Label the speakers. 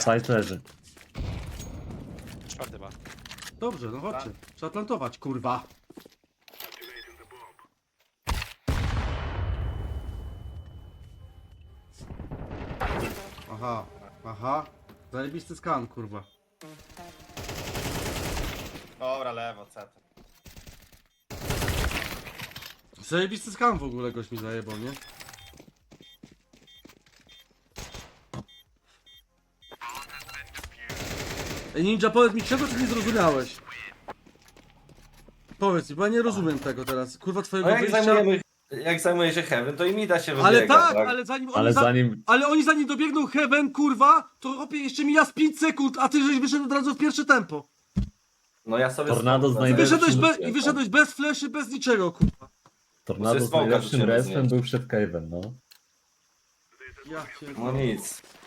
Speaker 1: Side leży.
Speaker 2: Czwarty ma.
Speaker 3: Dobrze, no chodźcie. Trzeba plantować, kurwa. Aha, aha. Zajebisty skan, kurwa.
Speaker 4: Dobra, lewo, CT.
Speaker 3: Zajebisty skan w ogóle goś mi zajebał, nie? Ej, Ninja, powiedz mi, czego ty nie zrozumiałeś? Powiedz mi, bo ja nie rozumiem tego teraz. Kurwa, twojego
Speaker 5: No
Speaker 3: wyjścia...
Speaker 5: jak zajmuje się Heaven, to i mi da się
Speaker 3: Ale
Speaker 5: wybiega,
Speaker 3: tak, ale zanim oni,
Speaker 1: Ale zanim...
Speaker 3: ale oni zanim dobiegną Heaven, kurwa, to opie jeszcze mija z 5 sekund, a ty żeś wyszedł od razu w pierwsze tempo.
Speaker 5: No ja sobie...
Speaker 1: Tornado
Speaker 5: stąd-
Speaker 1: znajdę-
Speaker 3: I wyszedłeś bez fleszy, bez niczego, kurwa.
Speaker 1: Tornado z
Speaker 5: smoka
Speaker 1: najlepszym
Speaker 5: rzuciłem z
Speaker 1: respem
Speaker 5: niej.
Speaker 1: był przed cave'em, no.
Speaker 3: Ja się...
Speaker 5: No nic.